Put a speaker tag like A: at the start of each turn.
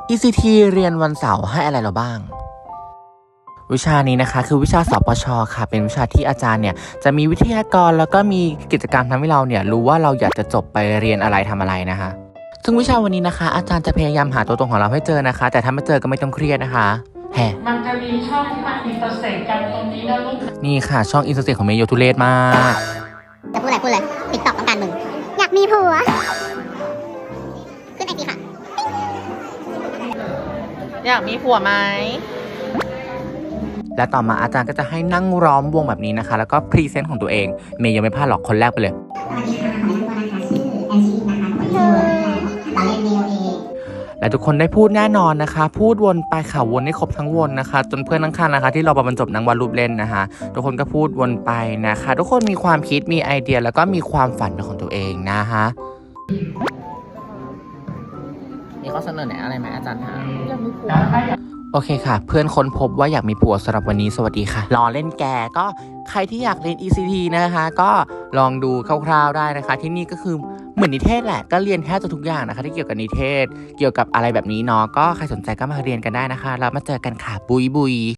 A: ECT เรียนวันเสาร์ให้อะไรเราบ้างวิชานี้นะคะคือวิชาสปช.ค่ะเป็นวิชาที่อาจารย์เนี่ยจะมีวิทยากรแล้วก็มีกิจกรรมทำให้เราเนี่ยรู้ว่าเราอยากจะจบไปเรียนอะไรทำอะไรนะคะซึ่งวิชาวันนี้นะคะอาจารย์จะพยายามหาตัวตนของเราให้เจอนะคะแต่ถ้าไม่เจอก็ไม่ต้องเครียดนะคะ
B: มันจะมีช่องที่มันอินเตอร์เซ็กกันตรงนี้นะลูก
A: นี่ค่ะช่องอินสตาแกรมของเมย์โยทุเรศมาก
C: จะพูดเลยติ๊กต็อกต้องการมึงอยากมีผัวขึ้นไอจีค่ะ
D: อยากมีผัวไหม
A: และต่อมาอาจารย์ก็จะให้นั่งล้อมวงแบบนี้นะคะแล้วก็พรีเซนต์ของตัวเองเมย์ยังไม่พลาดหรอกคนแรกไปเลย
C: สวัสดีค่ะขอแนะนำตัวนะคะชื่อแอนชีนะคะคนที่เราเล่น DOA
A: และทุกคนได้พูดแน่นอนนะคะพูดวนไปค่ะวนให้ครบทั้งวนนะคะจนเพื่อนข้างๆนะคะที่เราบรรจบนั่งวาดรูปเล่นนะคะทุกคนก็พูดวนไปนะคะทุกคนมีความคิดมีไอเดียแล้วก็มีความฝันของตัวเองนะคะ
D: มีข้อเสนอแนะอะไรไหมอาจารย์คะ
A: โอเคค่ะเพื่อนค้นพบว่าอยากมีผัวสำหรับวันนี้สวัสดีค่ะรอเล่นแกก็ใครที่อยากเรียน ECT นะคะก็ลองดูคร่าวๆได้นะคะที่นี่ก็คือเหมือนนิเทศแหละก็เรียนแทบจะทุกอย่างนะคะที่เกี่ยวกับนิเทศเกี่ยวกับอะไรแบบนี้เนาะก็ใครสนใจก็มาเรียนกันได้นะคะแล้วมาเจอกันค่ะบุย